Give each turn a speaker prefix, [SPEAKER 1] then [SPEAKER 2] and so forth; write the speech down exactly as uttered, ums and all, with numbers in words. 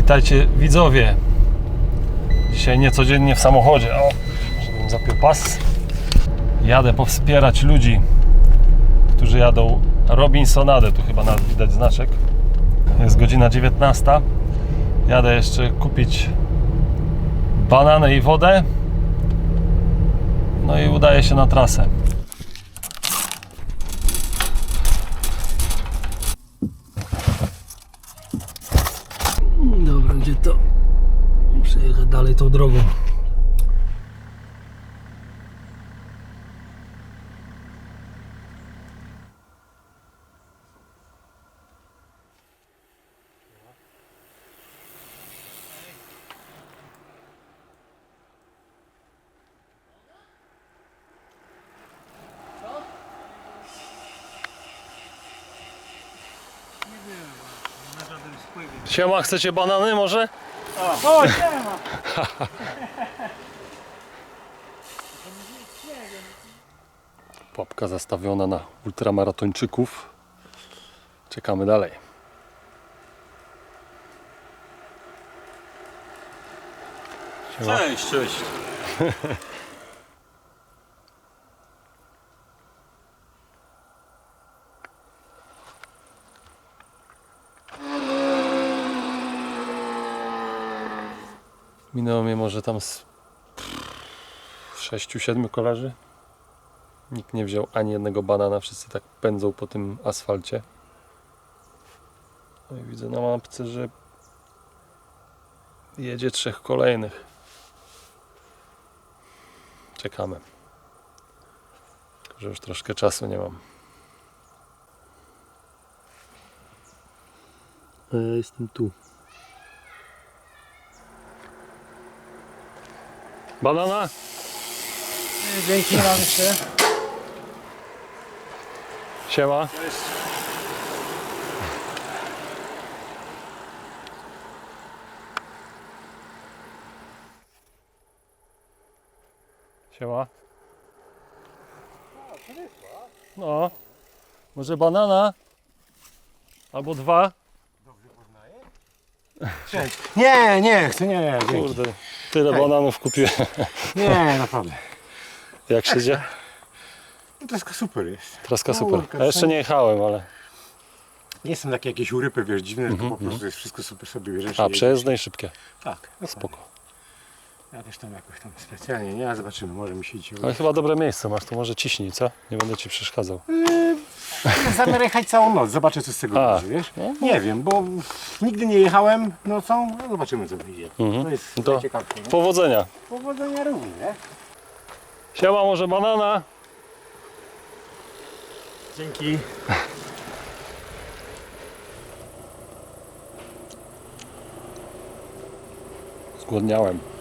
[SPEAKER 1] Witajcie widzowie. Dzisiaj niecodziennie w samochodzie. O, żebym zapiął pas. Jadę powspierać ludzi, którzy jadą Robinsonadę. Tu chyba nawet widać znaczek. Jest godzina dziewiętnasta. Jadę jeszcze kupić bananę i wodę. No i udaję się na trasę. Dobra, gdzie to? Muszę jechać dalej tą drogą. Siema, chcecie banany może?
[SPEAKER 2] O, siema!
[SPEAKER 1] Pułapka zastawiona na ultramaratończyków. Czekamy dalej. Siema.
[SPEAKER 2] Cześć, cześć.
[SPEAKER 1] Minęło mnie może tam z sześciu, siedmiu kolarzy. Nikt nie wziął ani jednego banana, wszyscy tak pędzą po tym asfalcie. No i widzę na mapce, że jedzie trzech kolejnych. Czekamy. Tylko że już troszkę czasu nie mam. A ja jestem tu. Banana?
[SPEAKER 2] Dzięki wam jeszcze.
[SPEAKER 1] Siema.
[SPEAKER 2] Cześć.
[SPEAKER 1] Siema. No. Może banana? Albo dwa?
[SPEAKER 2] Cześć. Nie, nie chcę, nie, dzięki.
[SPEAKER 1] Kurde, tyle bananów kupiłem.
[SPEAKER 2] Nie, naprawdę.
[SPEAKER 1] Jak się dzieje?
[SPEAKER 2] No to jest super jest.
[SPEAKER 1] Traska
[SPEAKER 2] No,
[SPEAKER 1] super.
[SPEAKER 2] Urka,
[SPEAKER 1] Ja jeszcze nie jechałem, ale...
[SPEAKER 2] Nie są takie jakieś urypy, wiesz, dziwne, tylko po prostu jest wszystko super sobie bierzesz.
[SPEAKER 1] A,
[SPEAKER 2] i
[SPEAKER 1] przejezdne i szybkie.
[SPEAKER 2] Tak,
[SPEAKER 1] Spoko.
[SPEAKER 2] ja też tam jakoś tam specjalnie, nie, a zobaczymy, może mi się dzisiaj
[SPEAKER 1] Ale chyba dobre miejsce masz, to może ciśnij, co? Nie będę ci przeszkadzał.
[SPEAKER 2] Zamiar jechać całą noc, zobaczę co z tego
[SPEAKER 1] A,
[SPEAKER 2] będzie, wiesz?
[SPEAKER 1] no.
[SPEAKER 2] Nie wiem, bo nigdy nie jechałem nocą, no zobaczymy co wyjdzie.
[SPEAKER 1] Mhm.
[SPEAKER 2] To jest
[SPEAKER 1] To
[SPEAKER 2] najciekawsze, nie?
[SPEAKER 1] powodzenia.
[SPEAKER 2] Powodzenia również, nie?
[SPEAKER 1] Siema, może banana?
[SPEAKER 2] Dzięki.
[SPEAKER 1] Zgłodniałem.